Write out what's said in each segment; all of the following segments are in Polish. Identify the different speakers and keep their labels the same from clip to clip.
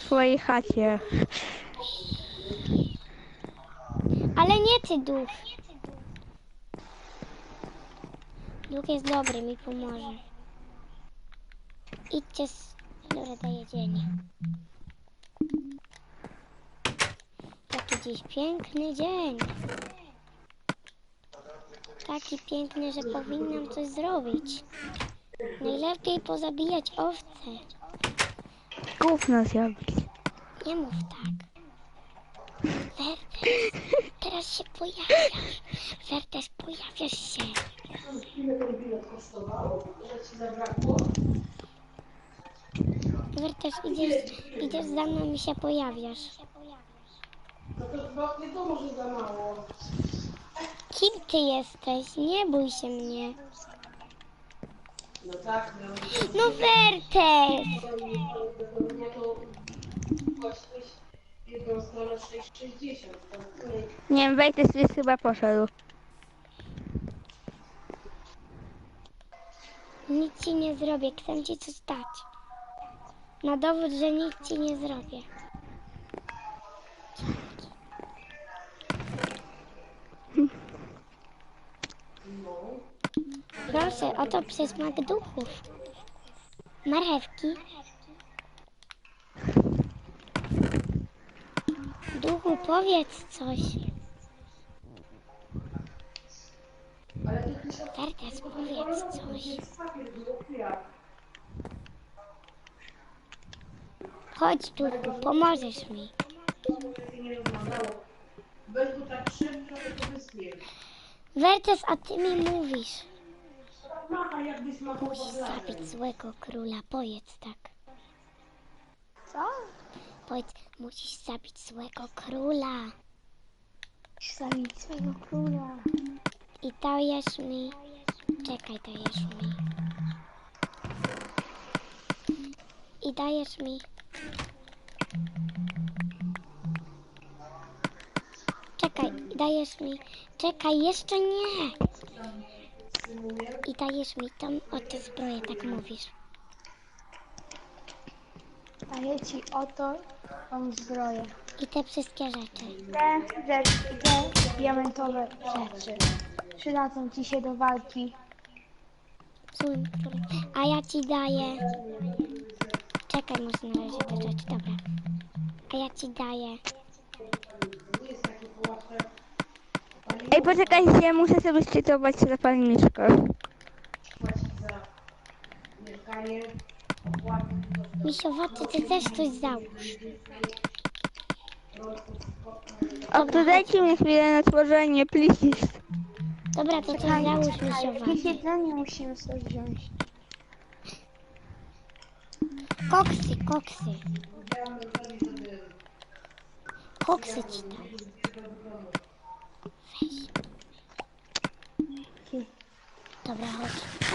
Speaker 1: swojej chacie.
Speaker 2: Ale nie ty, duch. Duch jest dobry, mi pomoże. Idźcie z... Dobra, daję jedzenie. Taki dziś piękny dzień. Taki piękny, że powinnam coś zrobić. Najlepiej pozabijać owce.
Speaker 1: Gówno zrobić.
Speaker 2: Nie mów tak. Wertes, teraz się pojawiasz. Wertes, pojawiasz się.
Speaker 3: Ile ten bilet kosztował? Że ci zabrakło?
Speaker 2: Wertes, idziesz za mną i się pojawiasz.
Speaker 3: No to chyba wiadomo, że za mało.
Speaker 2: Kim ty jesteś? Nie bój się mnie.
Speaker 3: No tak, no.
Speaker 2: No Wertes!
Speaker 3: No to płaciłeś jedną stronę 6,60.
Speaker 1: Nie wiem, Wejtes jest chyba poszedł.
Speaker 2: Nic ci nie zrobię, chcę ci coś dać. Na dowód, że nic ci nie zrobię. Proszę, oto przysmak duchów. Marchewki. Duchu, powiedz coś. Wertes, powiedz coś. Chodź, duchu, pomożesz mi.
Speaker 3: Weź go tak szybko, to wyschnie.
Speaker 2: Wertes, a ty mi mówisz.
Speaker 3: Macha, jakbyś machał
Speaker 2: Musisz zabić złego króla, powiedz tak.
Speaker 1: Co?
Speaker 2: Powiedz, musisz zabić złego króla.
Speaker 1: Zabić swojego króla.
Speaker 2: I dajesz mi... Czekaj, dajesz mi... I dajesz mi... Czekaj, dajesz mi... Czekaj, jeszcze nie! I dajesz mi tą oto zbroję, tak mówisz.
Speaker 1: Daję ci oto tą zbroję.
Speaker 2: I te wszystkie rzeczy.
Speaker 1: Te diamentowe rzeczy przydadzą ci się do walki.
Speaker 2: Złym królem. A ja ci daję... Czekaj, muszę na razie te rzeczy, dobra. A ja ci daję...
Speaker 1: Ej, poczekajcie, muszę sobie szczytować zapalniczkę.
Speaker 3: Mieszkanie.
Speaker 2: Misiowaty, ty też coś załóż.
Speaker 1: O, to dajcie mi chwilę na tworzenie, please.
Speaker 2: Dobra, to coś załóż,
Speaker 1: Jakieś
Speaker 2: misiowaty.
Speaker 1: jedzenie musimy sobie wziąć.
Speaker 2: Koksy, koksy. Koksy ci dam. Weź. Dobra, chodź.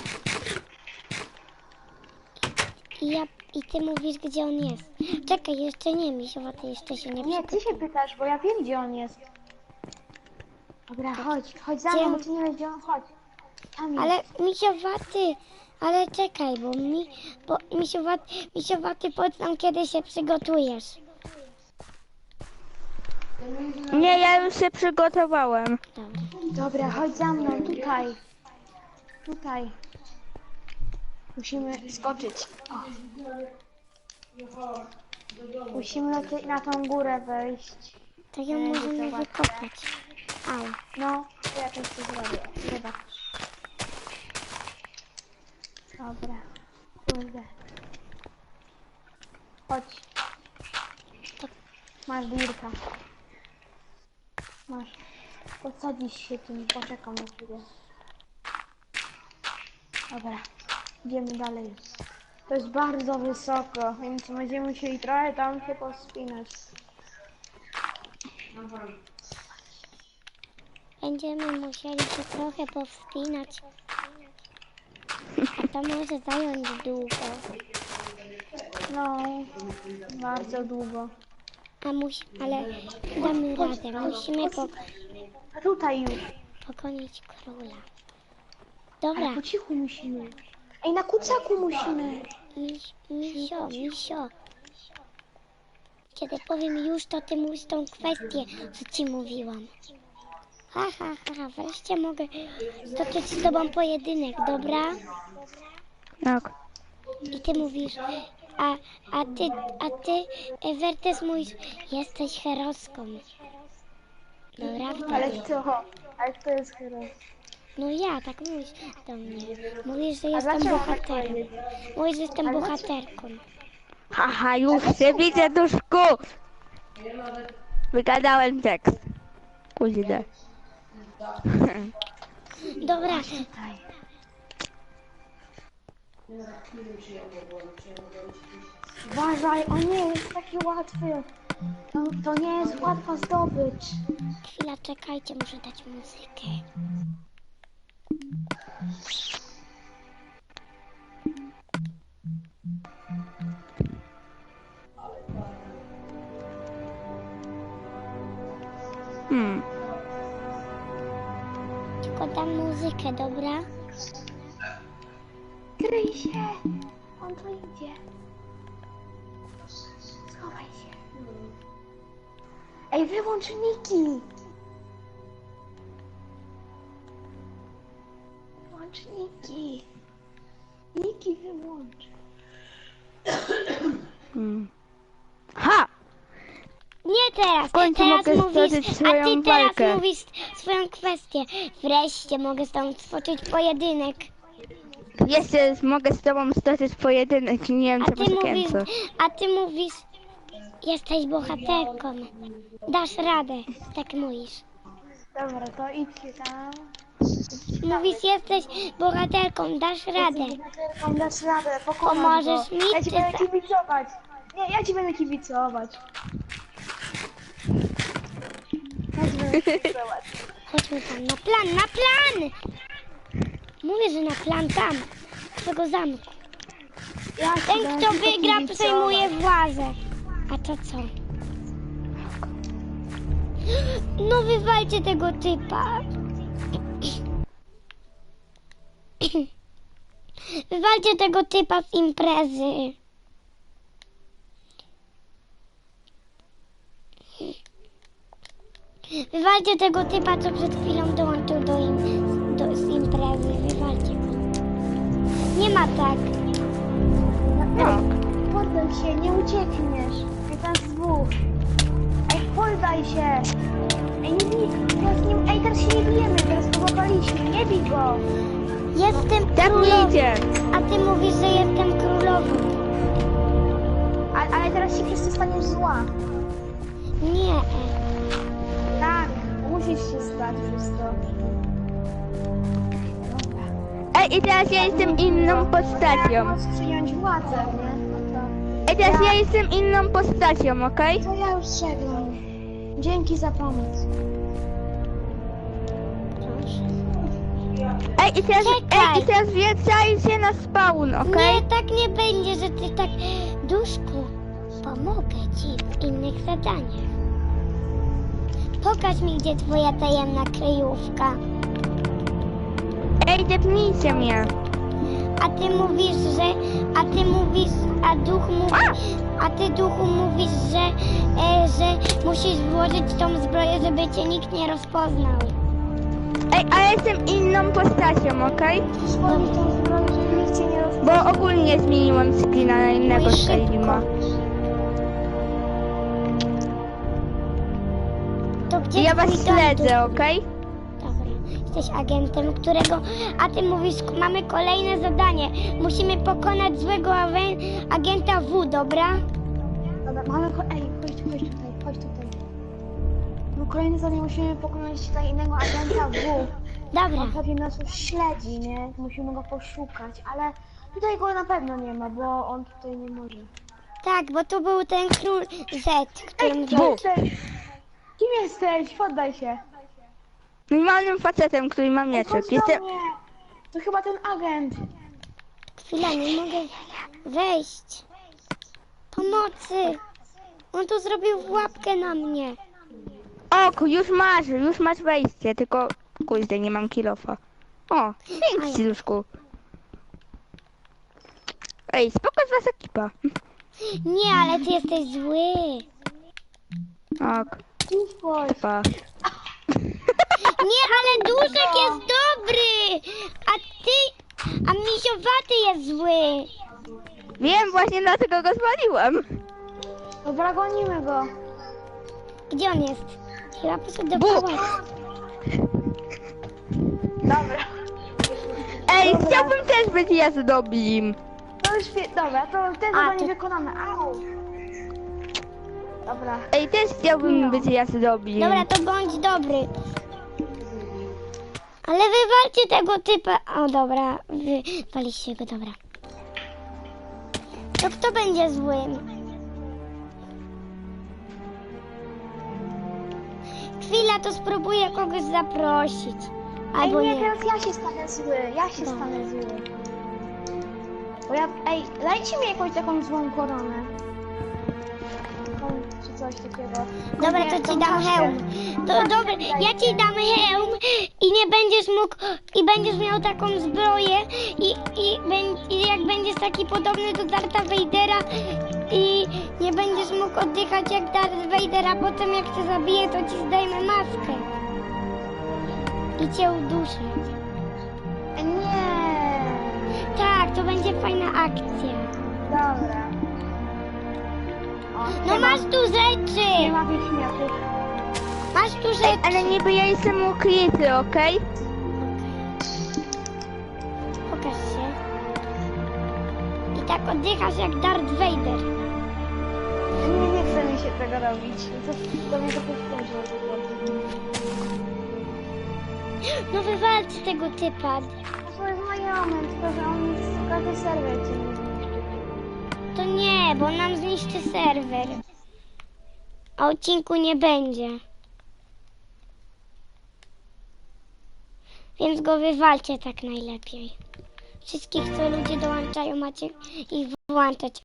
Speaker 2: I ty mówisz, gdzie on jest. Czekaj, jeszcze nie, misiowaty, jeszcze się nie
Speaker 1: Nie, ty się pytasz, bo ja wiem, gdzie on jest. Dobra, chodź za
Speaker 2: Gdzie
Speaker 1: mną,
Speaker 2: on-
Speaker 1: bo ty nie wiesz, gdzie on chodzi. Tam jest.
Speaker 2: Ale misiowaty, ale czekaj, bo misiowaty, powiedz nam, kiedy się przygotujesz.
Speaker 1: Nie, ja już się przygotowałem.
Speaker 2: Dobra.
Speaker 1: Dobra, chodź za mną, tutaj. Tutaj. Musimy skoczyć. O. Musimy na tą górę wejść.
Speaker 2: To ją możemy wykopać. Au.
Speaker 1: No, to ja też to zrobię. Zobacz. Dobra. Kurde. Chodź. Masz dirka. Masz. Podsadzisz się tym, poczekam na chwilę. Dobra. Idziemy dalej. To jest bardzo wysoko, więc będziemy musieli trochę tam się pospinać.
Speaker 2: Będziemy musieli się trochę powspinać. A to może zająć długo.
Speaker 1: No, bardzo długo.
Speaker 2: Ale damy radę. Musimy
Speaker 1: A tutaj już.
Speaker 2: pokonić króla. Dobra,
Speaker 1: Ale po cichu musimy. Ej, na kucaku musimy.
Speaker 2: misio. Kiedy powiem już, to ty mówisz tą kwestię, co ci mówiłam. Ha, ha, ha, wreszcie mogę stoczyć z tobą pojedynek, dobra?
Speaker 1: Tak.
Speaker 2: I ty mówisz, a ty, Wertes, mówisz, jesteś heroską. Dobra,
Speaker 1: Ale
Speaker 2: wtedy.
Speaker 1: co? Ale kto jest hero?
Speaker 2: No ja, tak mówisz do mnie. Mówisz, że
Speaker 1: A
Speaker 2: jestem
Speaker 1: dlaczego tak
Speaker 2: bohaterem.
Speaker 1: powiedzieć?
Speaker 2: Mówisz, że jestem
Speaker 1: Ale
Speaker 2: bohaterką.
Speaker 4: Haha, już się widzę, duszku! Wygadałem tekst. Kurde.
Speaker 2: Dobra,
Speaker 1: Uważaj, on nie jest taki łatwy. To nie jest łatwa zdobycz.
Speaker 2: chwila, czekajcie, muszę dać muzykę. Tylko dam muzykę, dobra?
Speaker 1: Kryj się! On tu idzie. Schowaj się. Ej, wyłącz Niki! Wyłącz Niki. Niki wyłącz.
Speaker 4: Ha!
Speaker 2: Nie teraz,
Speaker 4: końcu
Speaker 2: teraz
Speaker 4: mogę
Speaker 2: mówisz,
Speaker 4: stoczyć
Speaker 2: a
Speaker 4: swoją
Speaker 2: ty teraz
Speaker 4: walkę.
Speaker 2: mówisz swoją kwestię. Wreszcie mogę z tobą stoczyć pojedynek.
Speaker 4: Jeszcze mogę z tobą stoczyć pojedynek i nie wiem,
Speaker 2: A
Speaker 4: co
Speaker 2: ty mówisz,
Speaker 4: poświęcę.
Speaker 2: jesteś bohaterką. Dasz radę, tak mówisz.
Speaker 1: Dobra, to idźcie tam.
Speaker 2: Mówisz, jesteś bohaterką, dasz radę.
Speaker 1: Dasz radę, pokonasz
Speaker 2: Pomożesz
Speaker 1: go.
Speaker 2: mi,
Speaker 1: Ja ci
Speaker 2: czy
Speaker 1: będę
Speaker 2: co?
Speaker 1: kibicować. Nie, ja ci będę kibicować. Ja ci będę kibicować.
Speaker 2: Chodźmy tam, na plan! Mówię, że na plan tam, do tego zamku.
Speaker 1: Ja ci
Speaker 2: Ten,
Speaker 1: będę
Speaker 2: kto
Speaker 1: tylko
Speaker 2: wygra,
Speaker 1: kibicować.
Speaker 2: przejmuje władzę. A to co? No wywalcie tego typa. Wywalcie tego typa z imprezy. Wywalcie tego typa, co przed chwilą dołączył z imprezy. Wywalcie go. Nie ma tak.
Speaker 1: No, poddaj się, nie uciekniesz. Jest nas dwóch. Ej, poddaj się. Ej, nie bij, teraz nie, ej, teraz się nie bijemy, teraz go złapaliśmy, nie bij go.
Speaker 2: Jestem
Speaker 4: Tak
Speaker 2: królową.
Speaker 4: nie idzie.
Speaker 2: A ty mówisz, że jestem królową.
Speaker 1: Ale teraz się wszyscy staniesz zła.
Speaker 2: Nie.
Speaker 1: Tak, musisz się stać wszystko. Dobra.
Speaker 4: Ej, i teraz ja jestem inną postacią.
Speaker 1: Możesz przyjąć władzę, nie? No
Speaker 4: Ej, teraz ja jestem inną postacią, okej?
Speaker 1: to ja już żegnam. Dzięki za pomoc.
Speaker 4: Ej,
Speaker 2: Czekaj.
Speaker 4: i teraz wracajcie na spawn, okej?
Speaker 2: Nie, tak nie będzie, że ty tak... Duszku, pomogę ci w innych zadaniach. Pokaż mi, gdzie twoja tajemna kryjówka.
Speaker 4: Ej, depnijcie mnie.
Speaker 2: A ty mówisz, a ty duchu mówisz, że musisz włożyć tą zbroję, żeby cię nikt nie rozpoznał.
Speaker 4: Ej, ale jestem inną postacią, okej?
Speaker 1: Włożyć tą zbroję, żeby nikt cię nie rozpoznał.
Speaker 4: Bo ogólnie zmieniłam skina na innego
Speaker 2: Oj,
Speaker 4: Skylima.
Speaker 2: To gdzie
Speaker 4: I ja was
Speaker 2: twój dom,
Speaker 4: śledzę, okej?
Speaker 2: Dobra, jesteś agentem, którego... A ty mówisz, mamy kolejne zadanie. Musimy pokonać złego agenta W, dobra?
Speaker 1: Dobra, mamy... Ej, chodź tutaj. No kolejny zadanie musimy pokonać tutaj innego agenta W.
Speaker 2: Dobra,
Speaker 1: On pewnie nas już śledzi, nie? Musimy go poszukać, ale tutaj go na pewno nie ma, bo on tutaj nie może.
Speaker 2: tak, bo tu był ten król Z, którym...
Speaker 1: Ej, kim jesteś? Kim jesteś? Poddaj się.
Speaker 4: Normalnym facetem, który ma mieczek.
Speaker 1: Chodź do
Speaker 4: Jestem...
Speaker 1: mnie. To chyba ten agent.
Speaker 2: Chwila, nie mogę wejść. Pomocy! On tu zrobił łapkę na mnie.
Speaker 4: O, już masz wejście, tylko... Kurde, nie mam kilofa. O, dzięki, Duszku. Ej, spoko z was ekipa.
Speaker 2: Nie, ale ty jesteś zły.
Speaker 4: Ok,
Speaker 1: Uspokój.
Speaker 4: pa.
Speaker 2: Nie, ale duszek jest dobry, a misiowaty jest zły.
Speaker 4: Wiem, właśnie dlatego go spaliłem.
Speaker 1: Dobra, gonimy go.
Speaker 2: Gdzie on jest? Chyba poszedł do
Speaker 4: Bóg.
Speaker 2: pałacu.
Speaker 1: Dobra.
Speaker 4: Ej,
Speaker 1: Dobra.
Speaker 4: chciałbym też być jazdobim.
Speaker 1: To już dobra, to te zadanie wykonane. Au. Dobra.
Speaker 4: Ej, też chciałbym być jazdobim.
Speaker 2: Dobra, to bądź dobry. Ale wywalcie tego typa. O, dobra, wywaliście go, dobra. To kto będzie złym? Chwila, to spróbuję kogoś zaprosić. Albo
Speaker 1: Ej, nie,
Speaker 2: nie.
Speaker 1: teraz ja się stanę zły. Ja się
Speaker 2: Dobra.
Speaker 1: stanę zły. Bo ja... Ej, dajcie mi jakąś taką złą koronę. Taką, czy coś takiego.
Speaker 2: Dobra,
Speaker 1: Nie,
Speaker 2: to
Speaker 1: tą
Speaker 2: ci dam
Speaker 1: czaszkę.
Speaker 2: hełm. To dobra, ja ci dam hełm i nie będziesz mógł, i będziesz miał taką zbroję i jak będziesz taki podobny do Dartha Vadera i nie będziesz mógł oddychać jak Darth Vader, a potem jak cię zabije, to ci zdejmę maskę i cię uduszę.
Speaker 1: Nie.
Speaker 2: Tak, to będzie fajna akcja.
Speaker 1: Dobra. O,
Speaker 2: No
Speaker 1: nie
Speaker 2: masz
Speaker 1: ma-
Speaker 2: tu rzeczy!
Speaker 1: Nie ma tych śmiałków.
Speaker 2: Masz tu
Speaker 4: Ej,
Speaker 2: rzeczy!
Speaker 4: ale niby ja jestem ukryty, okej?
Speaker 2: Pokaż się. I tak oddychasz jak Darth Vader.
Speaker 1: Nie chce mi się tego robić. To mnie to powtórzy.
Speaker 2: No wywalcie tego typa.
Speaker 1: To jest znajomy, tylko że on każdy serwer cię nie zniszczy.
Speaker 2: To nie, bo nam zniszczy serwer. A odcinku nie będzie. Więc go wywalcie tak najlepiej. Wszystkich, co ludzie dołączają, macie ich włączać.